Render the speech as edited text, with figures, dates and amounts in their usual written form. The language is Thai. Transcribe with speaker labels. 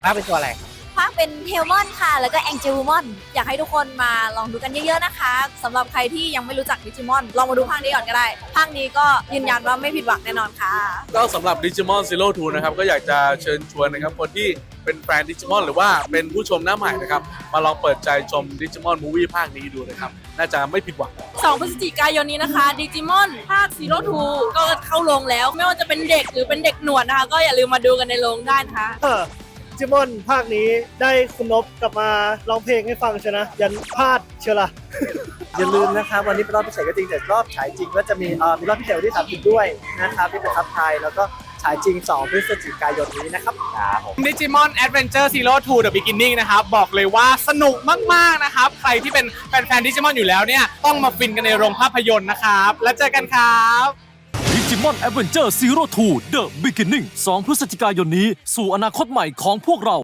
Speaker 1: ภาคเป็นตัวอะไร
Speaker 2: ภาคเป็นเทลมอนค่ะแล้วก็แองเจลูมอนอยากให้ทุกคนมาลองดูกันเยอะๆนะคะสำหรับใครที่ยังไม่รู้จักดิจิมอนลองมาดูภาคนี้ก่อนก็ได้ภาคนี้ก็ยืนยันว่าไม่ผิดหวังแน่นอนค่ะ
Speaker 3: ก็สำหรับ Digimon Zero Two นะครับก็อยากจะเชิญชวนนะครับคนที่เป็นแฟน Digimon หรือว่าเป็นผู้ชมหน้าใหม่นะครับมาลองเปิดใจชม Digimon Movie ภาคนี้ดูนะครับน่าจะไม่ผิดหวัง
Speaker 4: 2 พฤศจิกายนนี้นะคะดิจิมอนภาคซีโร่ทูก็เข้าโรงแล้วไม่ว่าจะเป็นเด็กหรือเป็นเด็กหนวดนะคะก็อย่าลืมมาดูกันในโรงได้นะคะ
Speaker 5: ดิจิมอนภาคนี้ได้คุณนพกลับมาร้องเพลงให้ฟังใช่นะยันพลาดเชียวล่ะ
Speaker 6: อย่าลืมนะครับวันนี้เป็นรอบพิเศษก็จริงแต่รอบฉายจริงก็จะมีรอบพิเศษวันที่30ด้วยนะครับที่เป็นซับไทยแล้วก็ฉายจริง2 พฤศจิกายนนี้นะครับ
Speaker 7: ดิจิมอนแอดเวนเจอร์ซีโร่ทูเดอะบิ๊กนิ่งนะครับบอกเลยว่าสนุกมากๆนะครับใครที่เป็นแฟนดิจิมอนอยู่แล้วเนี่ยต้องมาฟินกันในโรงภาพยนตร์นะครับแล้วเจอกันครับ
Speaker 8: ดิจิมอนแอดเวนเจอร์ซีโร่ทูเดอะบิ๊กนิ่ง2 พฤศจิกายนนี้สู่อนาคตใหม่ของพวกเรา